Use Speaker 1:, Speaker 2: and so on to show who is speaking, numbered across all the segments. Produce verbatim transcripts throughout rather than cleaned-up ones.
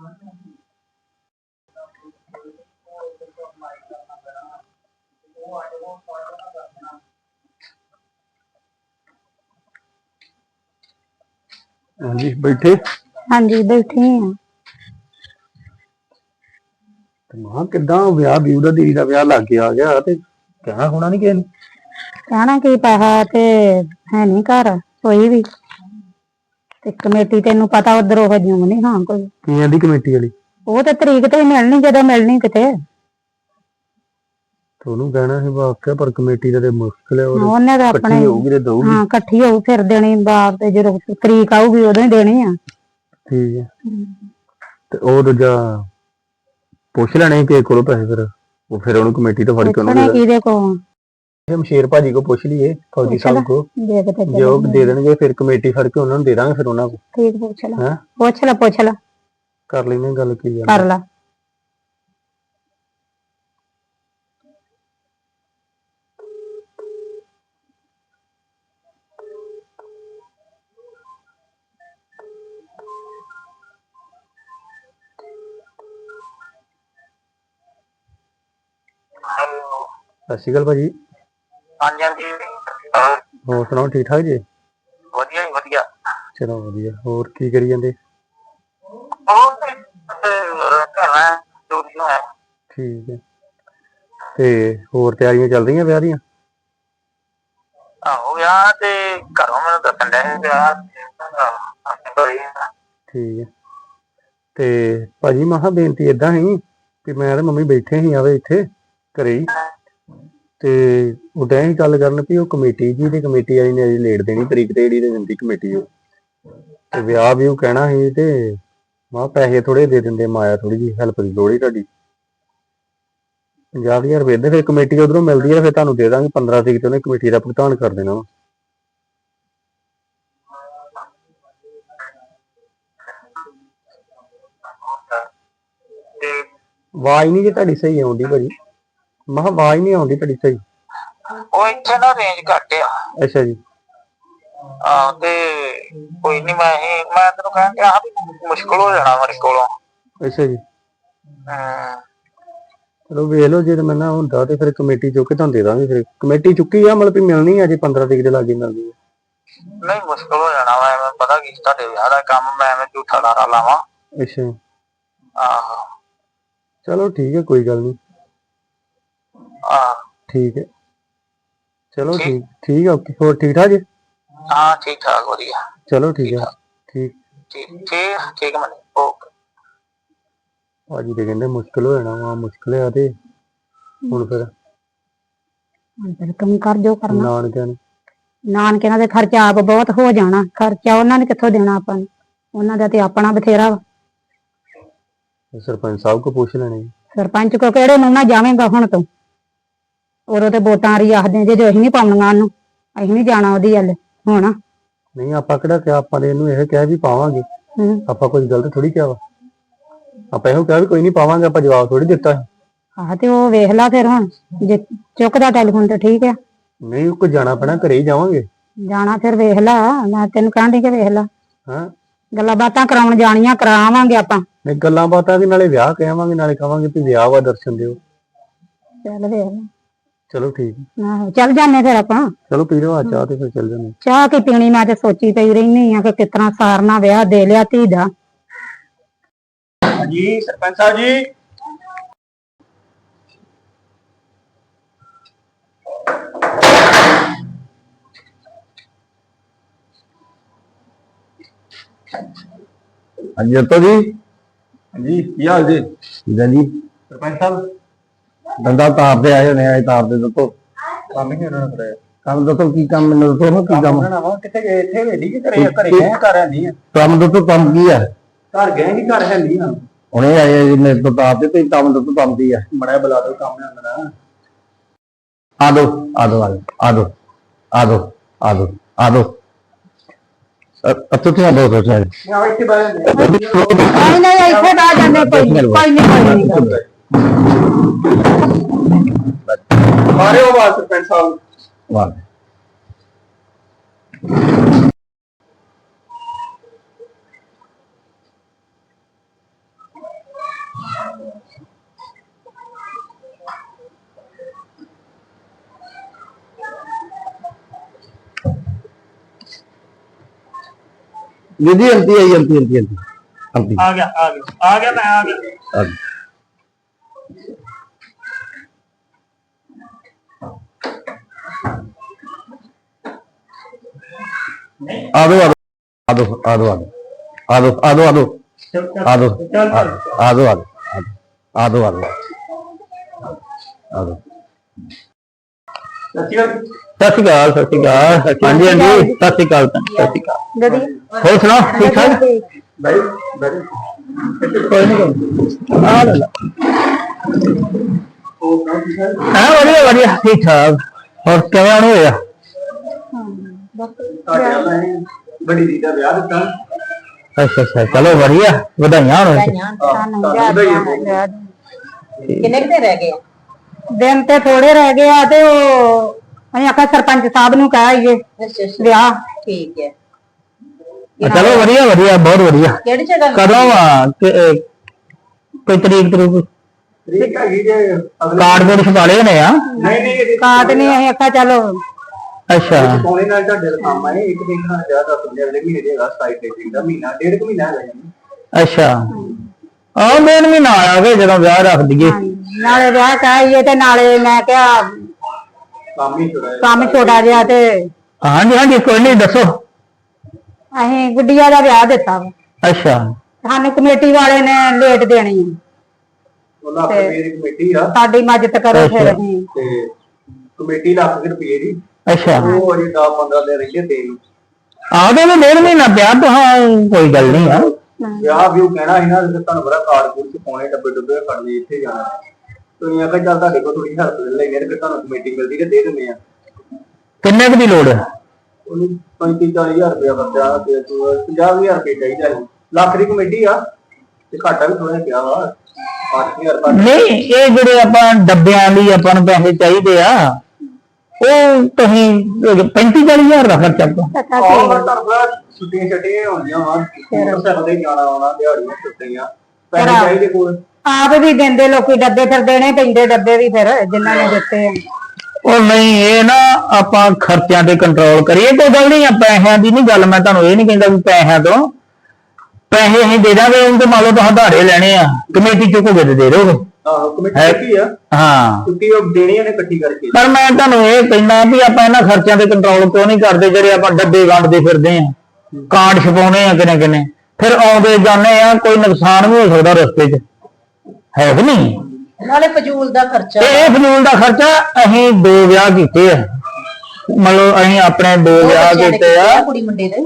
Speaker 1: हाँ जी बैठे।
Speaker 2: हाँ जी बैठे हैं।
Speaker 1: मां किदा ब्याह ब्यू दा दीदी दा ब्याह लागे आ गया ते कहना होना नहीं किसी ने।
Speaker 2: कहना की पैसा ते है नहीं घर कोई भी ते कमेटी तेनू पता उधर ओह जिउं नहीं हाँ कोई
Speaker 1: की आंदी कमेटी वाली
Speaker 2: वो ते तरीक ते मिलनी जदों मिलनी किते
Speaker 1: तोनू कहना है वाकया पर कमेटी दा ते मुश्किल है और
Speaker 2: ਉਹਨੇ ਤਾਂ ਆਪਣੇ
Speaker 1: इकट्ठी होगी ते दोगी।
Speaker 2: हाँ इकट्ठी होऊ फिर देनी बाप ते जदों तरीक आऊगी उदों ही देनी आ।
Speaker 1: ठीक है ते ओ दूजा पुछ लेने कि कोलों पैसे फिर वो फिर उन्होंने कमेटी तो फड़ के
Speaker 2: पुछने किहदे को
Speaker 1: हम शेर भाजी को पूछ लिए फौजी साहब को जो दे देंगे फिर कमेटी फड़ के उन्होंने दे देंगे फिर उन्होंने को
Speaker 2: ठीक पूछ ला पूछ ला पूछ ला
Speaker 1: कर लेने गल की
Speaker 2: कर ला।
Speaker 1: सत श्री अकाल भाजी।
Speaker 3: हाँ जी हाँ जी
Speaker 1: होर सुनाओ ठीक ठाक जी।
Speaker 3: वधिया जी वधिया।
Speaker 1: चलो वधिया होर की करी जांदे। ठीक है ते होर तैयारियां चल रही ब्याह दियां।
Speaker 3: आहो ब्याह ते घरों मैनूं दस्सण डए ब्याह
Speaker 1: ठीक है ते भाजी महा बेनती इदां ही कि मैं ते मम्मी बैठे ही आवे इत्थे घरे ही ते ਉਹ ਡੈ ਹੀ ਗੱਲ ਕਰਨ ਵੀ ਉਹ ਕਮੇਟੀ ਜੀ ਦੀ ਕਮੇਟੀ ਵਾਲੀ ਨੇ ਅਜੇ ਲੇਟ ਦੇਣੀ ਤਰੀਕ ਤੇ ਜਿਹੜੀ ਤੇ ਦਿੰਦੀ ਕਮੇਟੀ ਉਹ ਤੇ ਵਿਆਹ ਵੀ ਉਹ ਕਹਿਣਾ ਸੀ ਤੇ ਮਾ ਪੈਸੇ ਥੋੜੇ ਦੇ ਦਿੰਦੇ ਮਾਇਆ ਥੋੜੀ ਜੀ ਹੈਲਪ ਦੀ ਲੋੜ ਹੀ ਤੁਹਾਡੀ ਪੰਜਾਹ ਹਜ਼ਾਰ ਰੁਪਏ ਦੇ ਫਿਰ ਕਮੇਟੀ ਉਧਰੋਂ ਮਿਲਦੀ ਹੈ ਫਿਰ ਤੁਹਾਨੂੰ ਦੇ ਦਾਂਗੇ ਪੰਦਰਾਂ ਤਰੀਕ ਤੇ ਉਹਨੇ ਕਮੇਟੀ ਦਾ ਭੁਗਤਾਨ ਕਰ ਦੇਣਾ ਵਾ। ਆਵਾਜ਼ ਨਹੀਂ ਜੀ ਤੁਹਾਡੀ ਸਹੀ ਆਉਂਦੀ ਭਾਜੀ ਮੈਂ ਕਿਹਾ ਆਵਾਜ਼ ਨਹੀਂ ਆਉਂਦੀ ਤੁਹਾਡੀ ਸਹੀ।
Speaker 3: ਉਹ ਇੱਥੇ ਨਾ ਰੇਂਜ ਘੱਟ ਆ।
Speaker 1: ਅੱਛਾ ਜੀ
Speaker 3: ਹਾਂ ਤੇ ਕੋਈ ਨਹੀਂ ਮੈਂ ਮੈਂ ਤੈਨੂੰ ਕਹਿਣ ਡਿਆ ਵੀ ਮੁਸ਼ਕਲ ਹੋ ਜਾਣਾ ਮੇਰੇ ਕੋਲੋਂ।
Speaker 1: ਅੱਛਾ ਜੀ
Speaker 3: ਹਾਂ
Speaker 1: ਚਲੋ ਵੇਖ ਲਓ ਜੇ ਮੈਂ ਨਾ ਹੁੰਦਾ ਤੇ ਫਿਰ ਕਮੇਟੀ ਚੁੱਕ ਕੇ ਤੁਹਾਨੂੰ ਦੇ ਦਾਂਗੇ ਫਿਰ ਕਮੇਟੀ ਚੁੱਕੀ ਆ ਮਤਲਬ ਵੀ ਮਿਲਣੀ ਆ ਜੇ ਪੰਦਰਾਂ ਤਰੀਕ ਦੇ ਲਾਗੇ ਮਿਲਦੀ ਹੈ।
Speaker 3: ਨਹੀਂ ਮੁਸ਼ਕਲ ਹੋ ਜਾਣਾ ਵਾ ਐਵੇਂ ਪਤਾ ਕੀ ਤੁਹਾਡੇ ਵਿਆਹ ਦਾ ਕੰਮ ਮੈਂ ਐਵੇਂ ਝੂਠਾ ਲਾਰਾ ਲਾਵਾਂ।
Speaker 1: ਅੱਛਾ
Speaker 3: ਆਹੋ
Speaker 1: ਚਲੋ ਠੀਕ ਹੈ ਕੋਈ ਗੱਲ ਨਹੀਂ।
Speaker 3: ਆਹ
Speaker 1: ਠੀਕ ਹੈ ਚਲੋ ਠੀਕ ਠੀਕ ਹੈ ਓਕੇ ਹੋਰ ਠੀਕ ਠਾਕ ਜੀ।
Speaker 3: ਹਾਂ ਠੀਕ ਠਾਕ ਵਧੀਆ।
Speaker 1: ਚਲੋ ਠੀਕ ਹੈ ਠੀਕ
Speaker 3: ਠੀਕ ਠੀਕ ਠੀਕ ਮਨੀ ਓਕੇ।
Speaker 1: ਭਾਜੀ ਤੇ ਕਹਿੰਦੇ ਮੁਸ਼ਕਿਲ ਹੋ ਜਾਣਾ ਵਾ ਮੁਸ਼ਕਿਲ ਆ ਤੇ ਹੁਣ ਫਿਰ
Speaker 2: ਕੰਮ ਕਰ ਜੋ ਕਰਨਾ
Speaker 1: ਨਾਨਕਿਆਂ ਨੇ
Speaker 2: ਨਾਨਕਿਆਂ ਦੇ ਖਰਚਾ ਆਪ ਬਹੁਤ ਹੋ ਜਾਣਾ ਖਰਚਾ ਉਹਨਾਂ ਨੇ ਕਿੱਥੋਂ ਦੇਣਾ ਆਪਾਂ ਨੂੰ ਉਹਨਾਂ ਦਾ ਤੇ ਆਪਣਾ ਬਥੇਰਾ ਵਾ।
Speaker 1: ਸਰਪੰਚ ਸਾਹਿਬ ਕੋ ਪੁੱਛ ਲੈਣੇ।
Speaker 2: ਸਰਪੰਚ ਕੋ ਕਿਹੜੇ ਨੂੰ ਨਾ ਜਾਵੇਂਗਾ ਹੁਣ ਤੂੰ ਉਦੋਂ ਤੇ ਵੋਟਾਂ ਰੀ ਆਖਦੇ ਜੇ ਅਸੀਂ ਨਹੀਂ ਪਾਉਣੀਆਂ ਉਹਨੂੰ ਅਸੀਂ ਨਹੀਂ ਜਾਣਾ ਉਹਦੀ ਵੱਲ ਹੁਣ।
Speaker 1: ਨਹੀਂ ਆਪਾਂ ਕਿਹੜਾ ਕਿਹਾ ਆਪਾਂ ਨੇ ਇਹਨੂੰ ਇਹ ਕਿਹਾ ਵੀ ਪਾਵਾਂਗੇ ਆਪਾਂ ਕੁਝ ਗਲਤ ਥੋੜੀ ਕਿਹਾ ਵਾ ਆਪਾਂ ਇਹੋ ਕਿਹਾ ਵੀ ਕੋਈ ਨਹੀਂ ਪਾਵਾਂਗੇ ਆਪਾਂ ਜਵਾਬ ਥੋੜੀ ਦਿੱਤਾ।
Speaker 2: ਆਹ ਤੇ ਉਹ ਵੇਖ ਲਾ ਫਿਰ ਹੁਣ ਜੇ ਚੁੱਕਦਾ ਟੈਲੀਫੋਨ ਤੇ ਠੀਕ ਆ।
Speaker 1: ਨਹੀਂ ਉਹ ਕੋ ਜਾਣਾ ਪੈਣਾ ਘਰੇ ਹੀ ਜਾਵਾਂਗੇ
Speaker 2: ਜਾਣਾ ਫਿਰ ਵੇਖ ਲਾ ਮੈਂ ਤੈਨੂੰ ਕਹਿਣ ਡਈ ਕਿ ਵੇਖ ਲਾ
Speaker 1: ਹਾਂ
Speaker 2: ਗੱਲਾਂ ਬਾਤਾਂ ਕਰਾਉਣ ਜਾਣੀਆਂ ਕਰਾਵਾਂਗੇ ਆਪਾਂ।
Speaker 1: ਨਹੀਂ ਗੱਲਾਂ ਬਾਤਾਂ ਵੀ ਨਾਲੇ ਵਿਆਹ ਕਹਾਂਗੇ ਨਾਲੇ ਕਹਾਂਗੇ ਵੀ ਵਿਆਹ ਵਾ ਦਰਸ਼ਨ ਦਿਓ।
Speaker 2: ਚੱਲ ਵੇਖ ਲਾ
Speaker 1: ਚਲੋ ਠੀਕ
Speaker 2: ਆਹੋ ਚੱਲ ਜਾਂਦੇ ਫਿਰ ਆਪਾਂ।
Speaker 1: ਚਲੋ ਪੀ ਲਓ ਆ ਚਾਹ ਤੇ ਫਿਰ ਚੱਲ ਜਾਂਦੇ।
Speaker 2: ਚਾਹ ਕੀ ਪੀਣੀ ਮੈਂ ਤੇ ਸੋਚੀ ਪਈ ਰਹਿਨੀ ਆ ਕਿ ਕਿਸ ਤਰ੍ਹਾਂ ਸਾਰਨਾ ਵਿਆਹ ਦੇ ਲਿਆ ਧੀ ਦਾ।
Speaker 3: ਜੀ ਸਰਪੰਚ ਸਾਹਿਬ ਜੀ
Speaker 1: ਹਾਂਜੀ ਜੱਤੋ ਜੀ ਹਾਂਜੀ ਕੀ ਹਾਲ ਜੀ ਜੀ
Speaker 3: ਸਰਪੰਚ ਸਾਹਿਬ
Speaker 1: ਦੰਦਾ ਤਾਰ ਦੇ ਆਏ ਨੇ ਆਏ ਤਾਰ ਦੇ ਦੱਸੋ
Speaker 3: ਕੰਮ ਹੀ ਉਹਨਾਂ ਨੇ
Speaker 1: ਕੰਮ ਦੱਸੋ ਕੀ ਕੰਮ ਮੈਨੂੰ ਦੱਸੋ ਕੀ ਕੰਮ
Speaker 3: ਨਾ ਵਾ ਕਿੱਥੇ ਗਏ ਇੱਥੇ ਵੇਲੀ ਕਿ ਘਰੇ ਘਰੇ ਗਏ ਘਰ ਹੈ ਨਹੀਂ
Speaker 1: ਕੰਮ ਦੱਸੋ ਕੰਮ ਕੀ ਆ
Speaker 3: ਘਰ ਗਏ ਨਹੀਂ ਘਰ ਹੈ ਨਹੀਂ ਆ
Speaker 1: ਹੁਣੇ ਆਏ ਜੀ ਮੇਰੇ ਤੋਂ ਤਾਰ ਦੇ ਤੇ ਕੰਮ ਦੱਸੋ ਕੰਮ ਕੀ ਆ
Speaker 3: ਮੜਾ ਬੁਲਾ ਦੋ ਕੰਮ ਹੈ ਅੰਦਰ
Speaker 1: ਆ ਦੋ ਆ ਦੋ ਆ ਦੋ ਆ ਦੋ ਆ ਦੋ ਆ ਦੋ ਅੱਛਾ ਤੇ ਆ ਦੋ ਦੋ ਚਾਹੀਏ
Speaker 3: ਮੈਂ ਇੱਥੇ ਬਾਹਰ
Speaker 2: ਨਹੀਂ ਨਹੀਂ ਇੱਥੇ ਬਹਿ ਜਾਂਦੇ ਕੋਈ ਨਹੀਂ ਕੋਈ ਨਹੀਂ ਕੋਈ ਨਹੀਂ
Speaker 3: ਮਾਰੇ ਉਹ ਬਾਤ ਸਰਪੰਚ ਸਾਹਿਬ
Speaker 1: ਵਾਹ जी एमती आई एमती एमती एमती एमती
Speaker 3: ਆ ਗਿਆ ਆ ਗਿਆ ਆ ਗਿਆ ਮੈਂ ਆ ਗਿਆ
Speaker 1: आ दो आ दो आ दो आ दो आ दो आ दो आ दो आ दो आ दो आ दो आ दो आ दो सत श्री अकाल सत श्री अकाल हाँ जी हाँ जी सत श्री अकाल सत श्री अकाल ਹੋਰ ਸੁਣਾਓ ਠੀਕ ਠਾਕ ਭਾਈ ਕੋਈ ਨਹੀਂ ਆ ਲੈ ਹਾਂ ਵਧੀਆ ਵਧੀਆ ਠੀਕ ਠਾਕ ਹੋਰ ਕਿਵੇਂ ਆਉਣ ਹੋਇਆ ਬੜੀ ਦੀ ਦਾ ਵਿਆਹ ਦਿੱਤਾ ਅੱਛਾ ਅੱਛਾ ਚਲੋ ਵਧੀਆ ਵਧਾਈਆਂ ਹੋਣ
Speaker 2: ਕਿੰਨੇ ਕਿਤੇ ਰਹਿ ਗਏ ਦਿਨ ਤੇ ਥੋੜੇ ਰਹਿ ਗਏ ਆ ਤੇ ਉਹ ਅਸੀਂ ਆਖਿਆ ਸਰਪੰਚ ਸਾਹਿਬ ਨੂੰ ਕਹਿ ਆਈਏ ਵਿਆਹ ਠੀਕ ਹੈ
Speaker 1: ਚਲੋ ਵਧੀਆ ਵਧੀਆ ਬਹੁਤ ਵਧੀਆ
Speaker 2: ਕਿਹੜੀ ਜਗ੍ਹਾ
Speaker 1: ਕਦੋਂ ਆ ਕੋਈ ਤਰੀਕ ਤਰੀਕ ਤਰੀਕ ਹੈਗੀ ਜੇ ਕਾਰਡ ਕੋਡ ਛਪਾ ਲਏ ਨੇ ਆ
Speaker 2: ਨਹੀਂ ਨਹੀਂ ਕਾਰਡ ਨਹੀਂ ਅਸੀਂ ਆਖਿਆ ਚਲੋ
Speaker 1: ਅੱਛਾ
Speaker 4: ਕੋਨੇ ਨਾਲ ਤੁਹਾਡੇ ਦਾ ਕੰਮ ਹੈ ਇੱਕ ਦਿਨ ਨਾਲ ਜ਼ਿਆਦਾ ਪੰਦਰਾਂ ਅਗਲੇ ਮਹੀਨੇ ਦੇ ਹੈਗਾ ਸਤਾਈ ਤਰੀਕ ਦਾ ਮਹੀਨਾ ਡੇਢ ਕੁ ਮਹੀਨਾ ਹੈਗਾ
Speaker 1: ਅੱਛਾ ਆਹ ਦਿਨ ਵੀ ਨਾ ਆ ਗਏ ਜਦੋਂ ਵਿਆਹ ਰੱਖ ਦਈਏ
Speaker 2: ਨਾਲੇ ਵਿਆਹ ਕਹਾਈਏ ਤੇ ਨਾਲੇ ਮੈਂ ਕਿਹਾ
Speaker 4: ਕੰਮ ਹੀ ਛੋੜਾ
Speaker 2: ਕੰਮ ਛੋਟਾ ਜਿਹਾ ਤੇ
Speaker 1: ਹਾਂਜੀ ਹਾਂਜੀ ਕੋਈ ਨਹੀਂ ਦੱਸੋ
Speaker 2: ਅਸੀਂ ਗੁੱਡੀਆ ਦਾ ਵਿਆਹ ਦਿੱਤਾ ਵਾ
Speaker 1: ਅੱਛਾ
Speaker 2: ਸਾਨੂੰ ਕਮੇਟੀ ਵਾਲੇ ਨੇ ਲੇਟ ਦੇਣੀ ਆ
Speaker 4: ਉਹਨਾਂ ਰੁਪਏ ਦੀ ਕਮੇਟੀ ਆ
Speaker 2: ਸਾਡੀ ਮਦਦ ਕਰੋ ਫਿਰ ਅਸੀਂ
Speaker 4: ਤੇ ਕਮੇਟੀ ਲੱਖ ਰੁਪਏ ਦੀ
Speaker 1: ਅੱਛਾ
Speaker 4: ਉਹ ਅਜੇ ਦਸ ਪੰਦਰਾਂ ਦਿਨ ਰਹਿੰਦੇ ਦੇਣ
Speaker 1: ਆਦੇ ਵੀ ਡੇਢ ਮਹੀਨਾ ਪਿਆ ਤਾਂ ਕੋਈ ਗੱਲ ਨਹੀਂ ਆ
Speaker 4: ਵਿਆਹ ਵੀ ਉਹ ਕਹਿਣਾ ਸੀ ਨਾ ਜੇ ਤੁਹਾਨੂੰ ਬੜਾ ਕਾਰਡ ਕੂਡ ਚ ਪਾਉਣੇ ਡੱਬੇ ਡੁੱਬੇ ਫੜਨੇ ਇੱਥੇ ਜਾਣਾ ਤੁਸੀਂ ਆਖਿਆ ਚੱਲ ਤੁਹਾਡੇ ਕੋਲ ਥੋੜੀ ਹੈਲਪ ਲੈ ਲੈਣੇ ਫਿਰ ਤੁਹਾਨੂੰ ਕਮੇਟੀ ਮਿਲਦੀ ਤੇ ਦੇ ਦਿੰਦੇ ਆ
Speaker 1: ਕਿੰਨੇ ਕੁ ਦੀ ਲੋੜ ਹੈ
Speaker 4: ਉਹਨੂੰ ਪੈਂਤੀ ਚਾਲੀ ਹਜ਼ਾਰ ਰੁਪਇਆ ਖਰਚਾ ਤੇ ਪੰਜਾਹ ਹਜ਼ਾਰ ਰੁਪਏ ਚਾਹੀਦਾ ਹੈ ਲੱਖ ਦੀ ਕਮੇਟੀ ਆ ਤੇ ਘਾਟਾ ਵੀ ਥੋੜਾ ਜਿਹਾ ਵਾ ਅੱਠ ਹਜ਼ਾਰ ਘੱਟ
Speaker 1: ਨਹੀਂ ਇਹ ਜਿਹੜੇ ਆਪਾਂ ਡੱਬਿਆਂ ਲਈ ਆਪਾਂ ਨੂੰ ਪੈਸੇ ਚਾਹੀਦੇ ਆ ਉਹ ਤੁਸੀਂ ਪੈਂਤੀ ਚਾਲੀ ਹਜ਼ਾਰ ਦਾ ਖਰਚਾ
Speaker 4: ਛੁੱਟੀਆਂ ਛੱਟੀਆਂ ਹੁੰਦੀਆਂ ਵਾ ਸਕਦੇ ਜਾਣਾ ਆਉਣਾ ਦਿਹਾੜੀਆਂ ਛੁੱਟੀਆਂ ਪੈਸੇ ਚਾਹੀਦੇ ਕੋਲ
Speaker 2: ਆਪ ਵੀ ਦਿੰਦੇ ਲੋਕੀ ਡੱਬੇ ਫਿਰ ਦੇਣੇ ਪੈਂਦੇ ਡੱਬੇ ਵੀ ਫਿਰ ਜਿਨ੍ਹਾਂ ਨੇ ਦਿੱਤੇ ਆ
Speaker 1: ਉਹ ਨਹੀਂ ਇਹ ਨਾ ਆਪਾਂ ਖਰਚਿਆਂ ਤੇ ਕੰਟਰੋਲ ਕਰੀਏ ਕੋਈ ਗੱਲ ਨਹੀਂ ਆ ਪੈਸਿਆਂ ਦੀ ਨਹੀਂ ਗੱਲ ਮੈਂ ਤੁਹਾਨੂੰ ਇਹ ਨਹੀਂ ਕਹਿੰਦਾ ਵੀ ਪੈਸਿਆਂ ਤੋਂ ਪੈਸੇ ਅਸੀਂ ਦੇ ਦਾਂਗੇ ਉਹ ਤੇ ਮੰਨ ਲਓ ਤੁਸੀਂ ਧਾਰੇ ਲੈਣੇ ਆ ਕਮੇਟੀ ਚੁੱਕੋਗੇ ਤੇ ਦੇ ਦੋਗੇ
Speaker 4: ਆਹੋ ਕਮੇਟੀ ਕੀ ਆ
Speaker 1: ਹਾਂ
Speaker 4: ਕਿਉਂਕਿ ਉਹ ਦੇਣੀਆਂ ਨੇ ਇਕੱਠੀ ਕਰਕੇ
Speaker 1: ਪਰ ਮੈਂ ਤੁਹਾਨੂੰ ਇਹ ਕਹਿੰਦਾ ਵੀ ਆਪਾਂ ਇਹਨਾਂ ਖਰਚਿਆਂ ਤੇ ਕੰਟਰੋਲ ਕਿਉਂ ਨਹੀਂ ਕਰਦੇ ਜਿਹੜੇ ਆਪਾਂ ਡੱਬੇ ਵੰਡਦੇ ਫਿਰਦੇ ਆ ਕਾਰਡ ਛਪਾਉਣੇ ਆ ਕਿਨੇ ਕਿਨੇ ਫਿਰ ਆਉਂਦੇ ਜਾਂਦੇ ਆ ਕੋਈ ਨੁਕਸਾਨ ਵੀ ਹੋ ਸਕਦਾ ਰਸਤੇ 'ਚ ਹੈ ਕਿ ਨਹੀਂ
Speaker 2: ਨਾਲੇ ਫਜ਼ੂਲ ਦਾ ਖਰਚਾ
Speaker 1: ਇਹ ਫਜ਼ੂਲ ਦਾ ਖਰਚਾ ਅਸੀਂ ਦੋ ਵਿਆਹ ਕੀਤੇ ਆ ਮਤਲਬ ਅਸੀਂ ਆਪਣੇ ਦੋ ਵਿਆਹ ਕੀਤੇ ਆ
Speaker 2: ਕੁੜੀ ਮੁੰਡੇ ਦੇ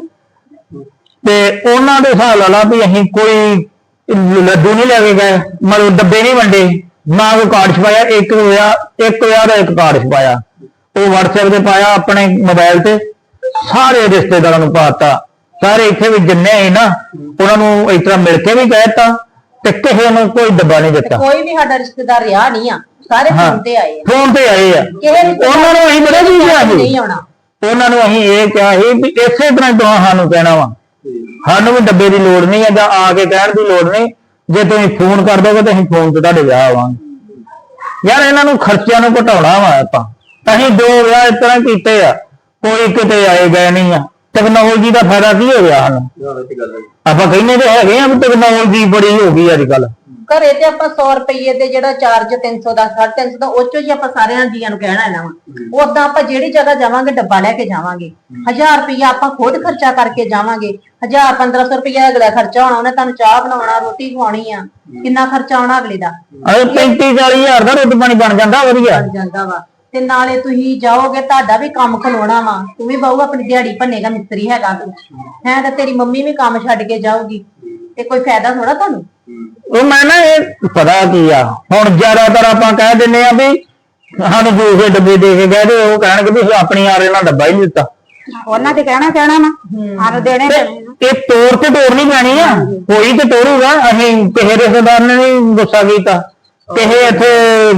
Speaker 1: ਤੇ ਉਹਨਾਂ ਦੇ ਹਿਸਾਬ ਲਾ ਲਾ ਵੀ ਅਸੀਂ ਕੋਈ ਲੱਡੂ ਨਹੀਂ ਲੈ ਕੇ ਗਏ ਮਤਲਬ ਡੱਬੇ ਨਹੀਂ ਵੰਡੇ ਨਾ ਕੋਈ ਕਾਰਡ ਛਪਾਇਆ ਇੱਕ ਵਿਆਹ ਇੱਕ ਵਿਆਹ ਦਾ ਇੱਕ ਕਾਰਡ ਛਪਾਇਆ ਉਹ WhatsApp ਤੇ ਪਾਇਆ ਆਪਣੇ ਮੋਬਾਈਲ ਤੇ ਸਾਰੇ ਰਿਸ਼ਤੇਦਾਰਾਂ ਨੂੰ ਪਾਤਾ ਸਾਰੇ ਇੱਥੇ ਵੀ ਜਿੰਨੇ ਸੀ ਨਾ ਉਹਨਾਂ ਨੂੰ ਇਸ ਤਰ੍ਹਾਂ ਮਿਲ ਕੇ ਵੀ ਕਹਿਤਾ ਤੇ ਕਿਸੇ ਨੂੰ ਕੋਈ ਡੱਬਾ ਨਹੀਂ ਦਿੱਤਾ
Speaker 2: ਕੋਈ ਵੀ ਸਾਡਾ ਰਿਸ਼ਤੇਦਾਰ ਰਿਹਾ ਨਹੀਂ ਆ ਸਾਰੇ ਫੋਨ ਤੇ ਆਏ ਆ
Speaker 1: ਫੋਨ ਤੇ ਆਏ ਆ ਉਹਨਾਂ ਨੂੰ ਅਸੀਂ ਬੜੇ ਚੀਜ਼ ਆ
Speaker 2: ਨਹੀਂ ਆਉਣਾ
Speaker 1: ਉਹਨਾਂ ਨੂੰ ਅਸੀਂ ਇਹ ਕਿਹਾ ਸੀ ਵੀ ਇਸੇ ਤਰ੍ਹਾਂ ਹੀ ਤੁਸੀਂ ਸਾਨੂੰ ਕਹਿਣਾ ਵਾ ਸਾਨੂੰ ਵੀ ਡੱਬੇ ਦੀ ਲੋੜ ਨਹੀਂ ਹੈ ਜਾਂ ਆ ਕੇ ਕਹਿਣ ਦੀ ਲੋੜ ਨਹੀਂ ਜੇ ਤੁਸੀਂ ਫੋਨ ਕਰ ਦੋਗੇ ਤਾਂ ਅਸੀਂ ਫੋਨ ਤੇ ਤੁਹਾਡੇ ਵਿਆਹ ਆਵਾਂਗੇ ਯਾਰ ਇਹਨਾਂ ਨੂੰ ਖਰਚਿਆਂ ਨੂੰ ਘਟਾਉਣਾ ਵਾ ਆਪਾਂ ਅਸੀਂ ਦੋ ਵਿਆਹ ਇਸ ਤਰ੍ਹਾਂ ਕੀਤੇ ਆ ਕੋਈ ਕਿਤੇ ਆਏ ਗਏ ਨਹੀਂ ਆ ਟੈਕਨੋਲੋਜੀ ਦਾ ਫਾਇਦਾ ਕੀ ਹੋ ਗਿਆ ਸਾਨੂੰ ਆਪਾਂ ਕਹਿੰਦੇ ਤੇ ਹੈਗੇ ਆ ਵੀ ਟੈਕਨੋਲੋਜੀ ਬੜੀ ਹੋ ਗਈ ਅੱਜ ਕੱਲ
Speaker 2: ਘਰੇ ਤੇ ਆਪਾਂ ਸੌ ਰੁਪਏ ਦੇ ਜਿਹੜਾ ਚਾਰਜ ਤਿੰਨ ਸੌ ਦਾ ਸਾਢੇ ਤਿੰਨ ਸੌ ਦਾ ਉਹ ਚੋਂ ਹੀ ਆਪਾਂ ਸਾਰਿਆਂ ਜੀਆਂ ਨੂੰ ਕਹਿਣਾ ਇਹਨਾਂ ਵਾ ਉਦਾਂ ਆਪਾਂ ਜਿਹੜੀ ਜਗ੍ਹਾ ਜਾਵਾਂਗੇ ਡੱਬਾ ਲੈ ਕੇ ਜਾਵਾਂਗੇ ਹਜ਼ਾਰ ਰੁਪਇਆ ਆਪਾਂ ਖੁਦ ਖਰਚਾ ਕਰਕੇ ਜਾਵਾਂਗੇ ਹਜ਼ਾਰ ਪੰਦਰਾਂ ਸੌ ਰੁਪਇਆ ਅਗਲਾ ਖਰਚਾ ਹੋਣਾ ਉਹਨੇ ਤੁਹਾਨੂੰ ਚਾਹ ਬਣਾਉਣਾ ਰੋਟੀ ਖਵਾਉਣੀ ਆ ਕਿੰਨਾ ਖਰਚਾ ਆਉਣਾ ਅਗਲੇ ਦਾ
Speaker 1: ਅਰੇ ਪੈਂਤੀ ਚਾਲੀ ਹਜ਼ਾਰ ਦਾ ਰੋਟੀ ਪਾਣੀ ਬਣ ਜਾਂਦਾ ਵਧੀਆ
Speaker 2: ਬਣ ਜਾਂਦਾ ਵਾ ਤੇ ਨਾਲੇ ਤੁਸੀਂ ਜਾਓਗੇ ਤੁਹਾਡਾ ਵੀ ਕੰਮ ਖਲੋਣਾ ਵਾ ਤੂੰ ਵੀ ਬਾਹੂ ਆਪਣੀ ਦਿਹਾੜੀ ਭੰਨੇਗਾ ਮਿਸਤਰੀ ਹੈਗਾ ਤੂੰ ਹੈ ਤਾਂ ਤੇਰੀ ਮੰਮੀ ਵੀ ਕੰਮ ਛੱਡ ਕੇ ਜਾਊਗੀ ਤੇ ਕੋਈ ਫਾਇਦਾ ਥੋੜਾ ਤੁਹਾਨੂੰ
Speaker 1: ਉਹ ਮੈਂ ਨਾ ਇਹ ਪਤਾ ਕੀ ਆ ਹੁਣ ਜ਼ਿਆਦਾਤਰ ਆਪਾਂ ਕਹਿ ਦਿੰਨੇ ਆ ਵੀ ਸਾਨੂੰ ਦੂਸਰੇ ਡੱਬੇ ਦੇ ਕੇ ਗਏ ਤੇ ਉਹ ਕਹਿਣਗੇ ਵੀ ਆਪਣੀ ਆਰੇ ਨਾਲ ਡੱਬਾ ਹੀ ਨਹੀਂ ਦਿੱਤਾ
Speaker 2: ਉਹਨਾਂ ਤੇ ਕਹਿਣਾ ਕਹਿਣਾ ਨਾ ਸਾਨੂੰ ਦੇਣੇ
Speaker 1: ਇਹ ਤੋੜ ਤੇ ਤੋੜਨੀ ਪੈਣੀ ਆ ਕੋਈ ਤੇ ਤੋੜੂਗਾ ਅਸੀਂ ਕਿਸੇ ਰਿਸ਼ਤੇਦਾਰ ਨੇ ਨਹੀਂ ਗੁੱਸਾ ਕੀਤਾ ਕਿਸੇ ਇੱਥੇ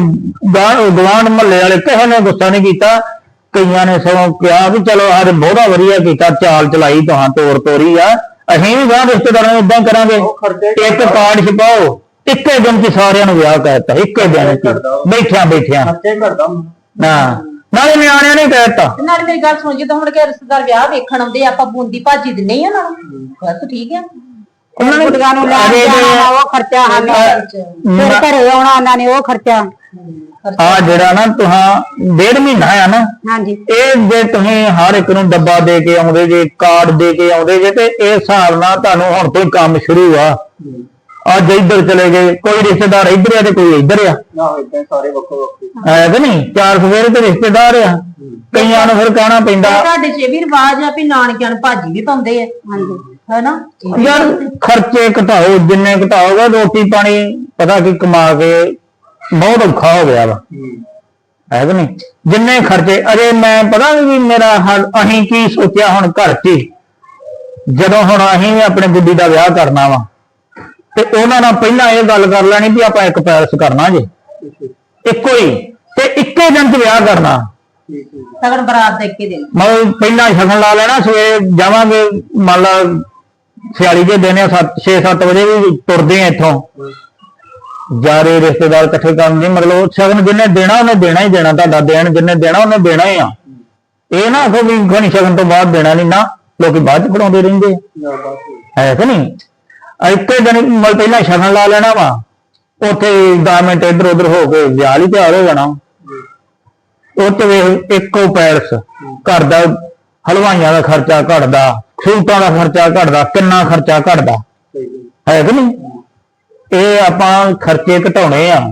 Speaker 1: ਗਵਾਂਢ ਮਹੱਲੇ ਵਾਲੇ ਕਿਸੇ ਨੇ ਗੁੱਸਾ ਨਹੀਂ ਕੀਤਾ ਕਈਆਂ ਨੇ ਸਗੋਂ ਕਿਹਾ ਵੀ ਚਲੋ ਆਹ ਬਹੁਤਾ ਵਧੀਆ ਕੀਤਾ ਚਾਲ ਚਲਾਈ ਤੁਹਾਂ ਤੋੜ ਤੋੜੀ ਆ ਅਸੀਂ ਵੀ ਗਾਂ ਰਿਸ਼ਤੇਦਾਰਾਂ ਨੂੰ ਏਦਾਂ ਕਰਾਂਗੇ ਇੱਕ ਕਾਰਡ ਛਪਾਓ ਇੱਕੇ ਦਿਨ ਚ ਸਾਰਿਆਂ ਨੂੰ ਵਿਆਹ ਕਰਤਾ ਇੱਕੇ ਦਿਨ ਚ ਬੈਠਿਆਂ ਬੈਠਿਆਂ
Speaker 4: ਖਰਚੇ ਕਰਦਾ
Speaker 1: ਨਾ
Speaker 5: ਨਾਲੇ ਨਿਆਣਿਆਂ ਨੇ ਕਹਿਤਾ
Speaker 2: ਤੇ ਨਾਲ ਮੇਰੀ ਗੱਲ ਸੁਣ, ਜਦੋਂ ਹੁਣ ਕਿ ਰਿਸ਼ਤੇਦਾਰ ਵਿਆਹ ਵੇਖਣ ਆਉਂਦੇ ਆ, ਆਪਾਂ ਬੂੰਦੀ ਭਾਜੀ ਦਿੰਨੇ ਹੀ ਉਹਨਾਂ ਨੂੰ, ਬਸ ਠੀਕ ਆ।
Speaker 5: ਉਹਨਾਂ ਨੇ
Speaker 6: ਕੁੜੀਆਂ ਨੂੰ ਲੈ ਜਾਣਾ ਉਹ ਖਰਚਾ ਹਨ, ਫਿਰ ਘਰੇ ਆਉਣਾ ਉਹਨਾਂ ਨੇ ਉਹ ਖਰਚਾ।
Speaker 5: ਆ ਜਿਹੜਾ ਨਾ ਤੁਹਾਂ ਡੇਢ ਮਹੀਨਾ ਆ ਨਾ,
Speaker 6: ਹਾਂਜੀ
Speaker 5: ਇਹ ਜੇ ਤੁਸੀਂ ਹਰ ਇੱਕ ਨੂੰ ਡੱਬਾ ਦੇ ਕੇ ਆਉਂਦੇ ਜੇ, ਕਾਰਡ ਦੇ ਕੇ ਆਉਂਦੇ ਜੇ, ਤੇ ਇਹ ਹਿਸਾਬ ਨਾਲ ਤੁਹਾਨੂੰ ਹੁਣ ਤੋਂ ਕੰਮ ਸ਼ੁਰੂ ਆ। ਅੱਜ ਇੱਧਰ ਚਲੇ ਗਏ, ਕੋਈ ਰਿਸ਼ਤੇਦਾਰ ਇੱਧਰ ਆ ਤੇ ਕੋਈ ਇੱਧਰ ਆ,
Speaker 4: ਨਾ ਇਦਾਂ ਸਾਰੇ ਵੱਖੋ ਵੱਖਰੇ
Speaker 5: ਹੈ ਕਿ ਨਹੀਂ? ਚਾਰ ਸਵੇਰੇ ਤੇ ਰਿਸ਼ਤੇਦਾਰ ਆ, ਕਈਆਂ ਨੂੰ ਫਿਰ ਕਹਿਣਾ ਪੈਂਦਾ।
Speaker 2: ਤੁਹਾਡੇ ਚ ਵੀ ਰਿਵਾਜ ਆ ਵੀ ਨਾਨਕਿਆਂ ਨੂੰ ਭਾਜੀ ਵੀ ਪਾਉਂਦੇ ਆ, ਹਾਂਜੀ ਹੈਨਾ।
Speaker 5: ਯਾਰ ਖਰਚੇ ਘਟਾਓ, ਜਿੰਨੇ ਘਟਾਓਗੇ ਰੋਟੀ ਪਾਣੀ ਪਤਾ ਕੀ ਕਮਾ ਕੇ ਬਹੁਤ ਔਖਾ ਹੋ ਗਿਆ ਵਾ, ਹੈ ਕਿ ਨਹੀਂ? ਜਿੰਨੇ ਖਰਚੇ ਅਜੇ ਮੈਂ ਪਤਾ ਵੀ ਮੇਰਾ ਅਸੀਂ ਕੀ ਸੋਚਿਆ ਹੁਣ ਘਰ ਚ ਹੀ, ਜਦੋਂ ਹੁਣ ਅਸੀਂ ਵੀ ਆਪਣੇ ਗੁੱਡੀ ਦਾ ਵਿਆਹ ਕਰਨਾ ਵਾ ਤੇ ਉਹਨਾਂ ਨਾਲ ਪਹਿਲਾਂ ਇਹ ਗੱਲ ਕਰ ਲੈਣੀ ਵੀ ਆਪਾਂ ਇੱਕ ਪੈਲਸ ਕਰਨਾ ਜੇ, ਇੱਕੋ ਹੀ, ਤੇ ਇੱਕੇ ਦਿਨ ਚ ਵਿਆਹ ਕਰਨਾ।
Speaker 2: ਸਗਨ ਬਰਾਤ ਦੇ ਕੇ ਦਿਨ
Speaker 5: ਮਤਲਬ ਪਹਿਲਾਂ ਸ਼ਗਨ ਲਾ ਲੈਣਾ, ਸਵੇਰੇ ਜਾਵਾਂਗੇ ਮੰਨ ਲਾ ਸਿਆਲੀ ਦੇ ਦਿਨ ਆ, ਸੱਤ ਛੇ ਸੱਤ ਵਜੇ ਵੀ ਤੁਰਦੇ ਆ ਇੱਥੋਂ, ਜਾਰੇ ਰਿਸ਼ਤੇਦਾਰ ਇਕੱਠੇ ਕਰਨ ਦੀ, ਮਤਲਬ ਸ਼ਗਨ ਜਿੰਨੇ ਦੇਣਾ ਉਹਨੇ ਦੇਣਾ ਹੀ ਦੇਣਾ, ਤੁਹਾਡਾ ਦੇਣ ਜਿੰਨੇ ਦੇਣਾ ਉਹਨੇ ਦੇਣਾ ਹੀ ਆ। ਇਹ ਨਾ ਆਖੋ ਵੀ ਘਣੀ ਸ਼ਗਨ ਤੋਂ ਬਾਅਦ ਦੇਣਾ ਨਹੀਂ, ਨਾ ਲੋਕੀ ਬਾਅਦ ਚ ਫੜਾਉਂਦੇ ਰਹਿੰਦੇ ਹੈ ਕਿ ਨਹੀਂ? ਇੱਕੇ ਦਿਨ ਮਤਲਬ ਪਹਿਲਾਂ ਸ਼ਗਨ ਲਾ ਲੈਣਾ ਵਾ, ਉੱਥੇ ਦਸ ਮਿੰਟ ਇੱਧਰ ਉਧਰ ਹੋ ਕੇ ਵਿਆਹ ਲਈ ਤਿਆਰ ਹੋ ਜਾਣਾ। ਉੱਥੇ ਇੱਕੋ ਪੈਲਸ, ਘਰ ਦਾ ਹਲਵਾਈਆਂ ਦਾ ਖਰਚਾ ਘਟਦਾ, ਸੂਟਾਂ ਦਾ ਖਰਚਾ ਘਟਦਾ, ਕਿੰਨਾ ਖਰਚਾ ਘਟਦਾ, ਹੈ ਕਿ ਨਹੀਂ? ਇਹ ਆਪਾਂ ਖਰਚੇ ਘਟਾਉਣੇ ਆ,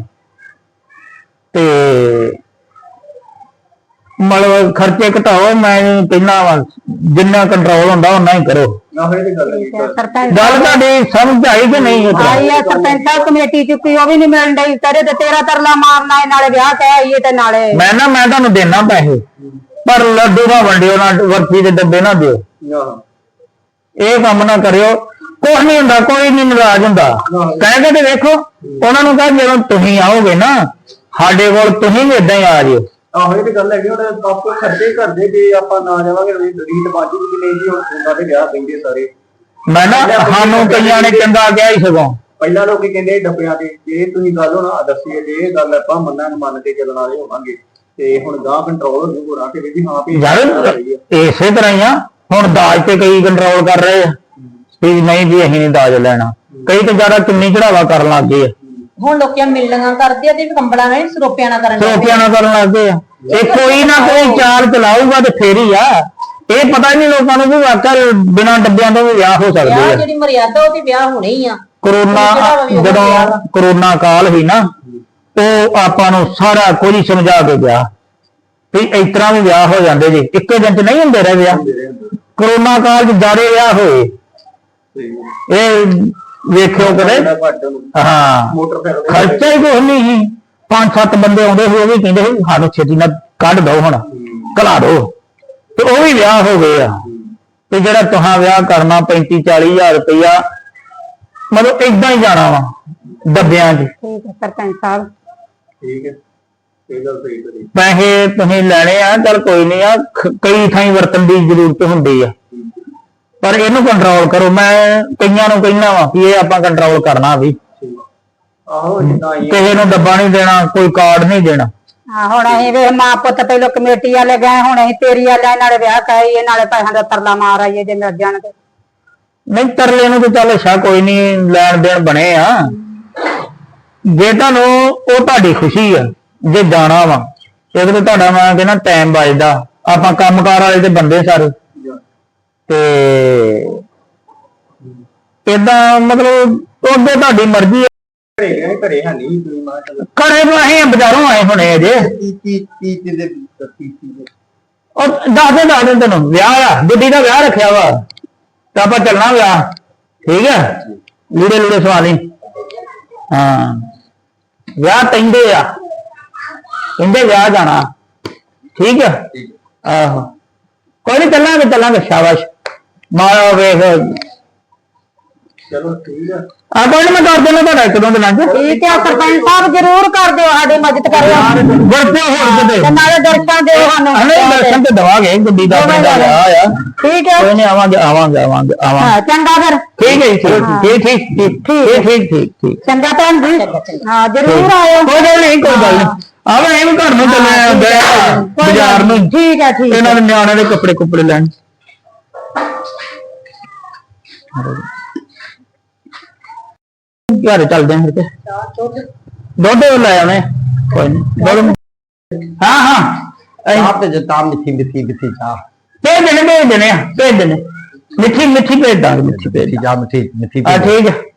Speaker 5: ਤੇ ਮਤਲਬ ਖਰਚੇ ਘਟਾਓ। ਮੈਂ ਕਹਿੰਦਾ ਵਾ ਜਿੰਨਾ ਕੰਟਰੋਲ ਹੁੰਦਾ ਉਹਨਾਂ ਹੀ ਕਰੋ।
Speaker 6: ਸਰਪੰਚ
Speaker 5: ਗੱਲ ਤੁਹਾਡੀ ਸਮਝ ਆਈ ਕਿ ਨਹੀਂ?
Speaker 6: ਆਈ ਆ ਸਰਪੰਚ ਸਾਹਿਬ ਕਮੇਟੀ ਚੁੱਕੀ, ਉਹ ਵੀ ਨਹੀਂ ਮਿਲਣ ਡਈ, ਕਰੇ ਤੇ ਤੇਰਾ ਤਰਲਾ ਮਾਰਨਾ ਹੈ, ਨਾਲੇ ਵਿਆਹ ਕਹਿ ਆਈਏ ਤੇ ਨਾਲੇ
Speaker 5: ਮੈਂ ਨਾ ਮੈਂ ਤੁਹਾਨੂੰ ਦੇਣਾ ਪੈਸੇ, ਪਰ ਲੱਡੂ ਨਾ ਵੰਡਿਓ, ਨਾ ਵਰਫੀ ਦੇ ਡੱਬੇ ਨਾ ਦਿਓ, ਇਹ ਕੰਮ ਨਾ ਕਰਿਓ। ਕੁਛ ਨਹੀਂ ਹੁੰਦਾ, ਕੋਈ ਨਹੀਂ ਨਾਰਾਜ਼ ਹੁੰਦਾ, ਕਹਿ ਕੇ ਤੇ ਵੇਖੋ ਉਹਨਾਂ ਨੂੰ, ਕਹ ਜਦੋਂ ਤੁਸੀਂ ਆਓਗੇ ਨਾ ਸਾਡੇ ਕੋਲ ਤੁਸੀਂ ਵੀ ਏਦਾਂ ਹੀ ਆ ਜਿਓ।
Speaker 4: ਆਹੋ ਇਹ ਤੇ ਗੱਲ ਹੈਗੀ, ਹੁਣ ਆਪਕੋ ਖਰਚੇ ਕਰਦੇ ਜੇ ਆਪਾਂ ਨਾ ਜਾਵਾਂਗੇ ਰੀਤ ਬਾਜੀ ਵੀ ਨਹੀਂ ਜੀ, ਹੁਣ ਉਹਨਾਂ ਦੇ ਵਿਆਹ ਪੈਂਦੇ ਸਾਰੇ।
Speaker 5: ਮੈਂ ਨਾ ਸਾਨੂੰ ਕਈਆਂ ਨੇ ਚੰਗਾ ਕਿਹਾ ਹੀ ਸਗੋਂ,
Speaker 4: ਪਹਿਲਾਂ ਲੋਕੀ ਕਹਿੰਦੇ ਡੱਬਿਆਂ ਤੇ, ਜੇ ਤੁਸੀਂ ਗੱਲ ਹੋਣਾ ਦੱਸੀਏ ਜੇ ਇਹ ਗੱਲ ਆਪਾਂ ਮੰਨਾਂ ਮੰਨ ਕੇ ਚੱਲਣ ਵਾਲੇ ਹੋਵਾਂਗੇ, ਤੇ ਹੁਣ ਗਾਂ ਕੰਟਰੋਲ ਹੋ ਜੂ ਹੋਣਾ ਕਿ ਵੀ ਹਾਂ ਵੀ
Speaker 5: ਯਾਰ ਇਸੇ ਤਰ੍ਹਾਂ ਹੀ ਆ। ਹੁਣ ਦਾਜ ਤੇ ਕਈ ਕੰਟਰੋਲ ਕਰ ਰਹੇ ਆ ਵੀ ਨਹੀਂ ਵੀ ਅਸੀਂ ਨਹੀਂ ਦਾਜ ਲੈਣਾ, ਕਈ ਤੇ ਜ਼ਿਆਦਾ ਕਿੰਨੀ ਚੜਾਵਾ ਕਰਨ ਲੱਗ ਗਏ ਆ।
Speaker 2: ਹੁਣ ਲੋਕਾਂ ਮਿਲਣੀਆਂ ਕਰਦੇ ਆ ਤੇ ਕੰਬਲਾਂ ਨਾਲ ਸਰੋਪਿਆਂ ਨਾਲ ਕਰਨ
Speaker 5: ਸਰੋਪਿਆਂ ਨਾਲ ਕਰਨ ਲੱਗ ਗਏ ਆ। ਇਹ ਕੋਈ ਨਾ ਕੋਈ ਚਾਲ ਚਲਾਊਗਾ ਤੇ ਫੇਰ ਹੀ ਆ। ਇਹ ਪਤਾ ਨਹੀਂ ਲੋਕਾਂ ਨੂੰ ਵੀ ਵਾਕਈ ਬਿਨਾਂ ਡੱਬਿਆਂ ਤੋਂ ਵੀ ਵਿਆਹ ਹੋ ਸਕਦੇ ਆ।
Speaker 2: ਜਿਹੜੀ ਮਰਿਆਦਾ ਉਹ ਤੇ ਵਿਆਹ ਹੋਣੇ ਹੀ ਆ।
Speaker 5: ਕਰੋਨਾ ਜਦੋਂ ਕਰੋਨਾ ਕਾਲ ਸੀ ਨਾ, ਉਹ ਆਪਾਂ ਨੂੰ ਸਾਰਾ ਕੁਝ ਸਮਝਾ ਕੇ ਗਿਆ ਵੀ ਇਸ ਤਰ੍ਹਾਂ ਵੀ ਵਿਆਹ ਹੋ ਜਾਂਦੇ ਜੀ, ਇੱਕੇ ਦਿਨ ਚ ਨਹੀਂ ਹੁੰਦੇ ਰਹੇ ਵਿਆਹ। ਕਰੋਨਾ ਕਾਲ ਚ ਜ਼ਿਆਦਾ ਵਿਆਹ ਹੋਏ, ਇਹ ਵੇਖਿਓ ਕਦੇ। ਹਾਂ ਖਰਚਾ ਹੀ ਕੁਛ ਨਹੀਂ ਸੀ, ਪੰਜ ਸੱਤ ਬੰਦੇ ਆਉਂਦੇ ਸੀ, ਉਹ ਵੀ ਕਹਿੰਦੇ ਸੀ ਸਾਨੂੰ ਛੇਤੀ ਨਾਲ ਕੱਢ ਦੋ, ਹੁਣ ਘਲਾ ਦੋ, ਤੇ ਉਹ ਵੀ ਵਿਆਹ ਹੋ ਗਏ ਆ। ਤੇ ਜਿਹੜਾ ਤੁਹਾਂ ਵਿਆਹ ਕਰਨਾ ਪੈਂਤੀ ਚਾਲੀ ਹਜ਼ਾਰ ਰੁਪਇਆ, ਮਤਲਬ ਏਦਾਂ ਹੀ ਜਾਣਾ ਵਾ ਡੱਬਿਆਂ 'ਚ।
Speaker 6: ਠੀਕ ਹੈ ਸਰਪੰਚ ਸਾਹਿਬ,
Speaker 4: ਠੀਕ ਹੈ, ਇਹ ਗੱਲ ਸਹੀ ਕਰੀ।
Speaker 5: ਪੈਸੇ ਤੁਸੀਂ ਲੈਣੇ ਆ, ਚੱਲ ਕੋਈ ਨਹੀਂ ਆ, ਕਈ ਥਾਈਂ ਵਰਤਣ ਦੀ ਜ਼ਰੂਰਤ ਹੁੰਦੀ ਆ, ਪਰ ਇਹਨੂੰ ਕੰਟਰੋਲ ਕਰੋ। ਮੈਂ ਕਈਆਂ ਨੂੰ ਕਹਿਣਾ ਵਾ ਕਿ ਇਹ ਆਪਾਂ ਕੰਟਰੋਲ ਕਰਨਾ ਵੀ।
Speaker 4: ਆਹੋ ਜਿੱਦਾਂ
Speaker 5: ਕਿਸੇ ਨੂੰ ਡੱਬਾ ਨਹੀਂ ਦੇਣਾ, ਕੋਈ ਕਾਰਡ ਨਹੀਂ ਦੇਣਾ।
Speaker 6: ਹਾਂ ਹੁਣ ਅਸੀਂ ਵੇਖ ਮਾਂ ਪੁੱਤ ਪਹਿਲੋਂ ਕਮੇਟੀ ਵਾਲੇ ਗਏ, ਹੁਣ ਅਸੀਂ ਤੇਰੀ ਵਾਲੇ ਨਾਲੇ ਵਿਆਹ ਕਰਾਈਏ, ਨਾਲੇ ਪੈਸਿਆਂ ਦਾ ਤਰਲਾ ਮਾਰ ਆਈਏ ਜੇ ਮਿਲ ਜਾਣ ਤੇ।
Speaker 5: ਨਹੀਂ ਤਰਲੇ ਨੂੰ ਤੇ ਚੱਲ ਅੱਛਾ ਕੋਈ ਨਹੀਂ, ਲੈਣ ਦੇਣ ਬਣੇ ਆ। ਜੇ ਤੁਹਾਨੂੰ ਉਹ ਤੁਹਾਡੀ ਖੁਸ਼ੀ ਆ, ਜੇ ਜਾਣਾ ਵਾ ਇਹਦੇ ਤੇ ਤੁਹਾਡਾ ਮੈਂ ਕਹਿੰਦਾ ਟਾਈਮ ਬਚਦਾ। ਆਪਾਂ ਕੰਮਕਾਰ ਵਾਲੇ ਤੇ ਬੰਦੇ ਸਾਰੇ, ਤੇ ਏਦਾਂ ਮਤਲਬ ਉਹਦੇ ਤੁਹਾਡੀ ਮਰਜ਼ੀ ਆ।
Speaker 4: ਘਰੇ ਗਏ, ਘਰੇ ਹੈ ਨਹੀਂ ਤੁਸੀਂ ਮਾਂ ਚੱਲ
Speaker 5: ਘਰੇ ਤੋਂ ਅਸੀਂ ਬਾਜ਼ਾਰੋਂ ਆਏ ਹੁਣੇ ਅਜੇ।
Speaker 4: ਤੀਜੀ ਤੀਜੀ ਦੇ ਤੀਜੀ ਦੇ
Speaker 5: ਉਹ ਦੱਸ ਦੇ ਦੱਸ ਦੇ ਤੈਨੂੰ ਵਿਆਹ ਆ, ਗੁੱਡੀ ਦਾ ਵਿਆਹ ਰੱਖਿਆ ਵਾ, ਤੇ ਆਪਾਂ ਚੱਲਣਾ ਵਿਆਹ, ਠੀਕ ਆ। ਲੀੜੇ ਲੂੜੇ ਸਵਾ ਲਈ। ਹਾਂ ਵਿਆਹ ਕਹਿੰਦੇ ਆ, ਕਹਿੰਦੇ ਵਿਆਹ ਜਾਣਾ, ਠੀਕ ਆ। ਆਹੋ ਕੋਈ ਨੀ, ਚੱਲਾਂਗੇ ਚੱਲਾਂਗੇ, ਸ਼ਾਬਾਸ਼ ਮਾਰਾ ਵੇਖ।
Speaker 4: ਚਲੋ ਠੀਕ ਆ।
Speaker 5: ਆ ਕੋਈ ਨੀ, ਮੈਂ ਕਰ ਦੇਣਾ ਤੁਹਾਡਾ ਇੱਕ ਦੋ ਦਿਨਾਂ ਚ।
Speaker 6: ਠੀਕ ਹੈ ਸਰਪੰਚ ਸਾਹਿਬ, ਜ਼ਰੂਰ ਕਰ ਦਿਓ, ਸਾਡੀ ਮਦਦ ਕਰਿਓ,
Speaker 5: ਵਰਤੋਂ ਹੋਰ ਕਿਤੇ
Speaker 6: ਤੇ ਨਾਲੇ ਦਰਸ਼ਨ ਦਿਓ ਸਾਨੂੰ।
Speaker 5: ਹਲੇ ਦਰਸ਼ਨ ਤੇ ਦਵਾਂਗੇ, ਗੁੱਡੀ ਦਾ ਆਪਣਾ ਵਿਆਹ ਆ।
Speaker 6: ਠੀਕ ਹੈ,
Speaker 5: ਕੋਈ ਨੀ, ਆਵਾਂਗੇ ਆਵਾਂਗੇ ਆਵਾਂਗੇ ਆਵਾਂਗੇ।
Speaker 6: ਹਾਂ ਚੰਗਾ ਫਿਰ।
Speaker 5: ਠੀਕ ਹੈ ਜੀ, ਠੀਕ ਠੀਕ ਠੀਕ ਠੀਕ ਠੀਕ ਠੀਕ ਠੀਕ।
Speaker 6: ਚੰਗਾ ਭੈਣ ਜੀ, ਹਾਂ ਜ਼ਰੂਰ ਆਇਓ।
Speaker 5: ਕੋਈ ਗੱਲ ਨਹੀਂ, ਕੋਈ ਗੱਲ ਨਹੀਂ। ਆਵੇ ਇਹ ਵੀ ਘਰ ਨੂੰ ਚੱਲੇ ਆਉਂਦੇ ਆ ਬਾਜ਼ਾਰ ਨੂੰ
Speaker 6: ਠੀਕ ਹੈ ਠੀਕ
Speaker 5: ਇਹਨਾਂ ਦੇ ਨਿਆਣੇ ਦੇ ਕੱਪੜੇ ਕੁੱਪੜੇ ਲੈਣ ਘਰ ਚੱਲਦੇ ਆਂ ਫਿਰ ਤੇ ਦੁੱਧ ਲੈ ਆਉਣੇ ਕੋਈ ਨਹੀਂ ਹਾਂ ਹਾਂ
Speaker 1: ਚਾਹ ਤੇ ਜਤਾ ਮਿੱਠੀ ਮਿੱਠੀ ਮਿੱਠੀ ਚਾਹ
Speaker 5: ਭੇਜ ਦੇਣੇ ਭੇਜ ਦੇਣੇ ਆ ਭੇਜ ਦੇਣੇ ਮਿੱਠੀ ਮਿੱਠੀ ਭੇਜ ਦਾਂਗੇ ਮਿੱਠੀ ਭੇਜ
Speaker 1: ਚਾਹ ਮਿੱਠੀ ਮਿੱਠੀ
Speaker 5: ਆ ਠੀਕ ਹੈ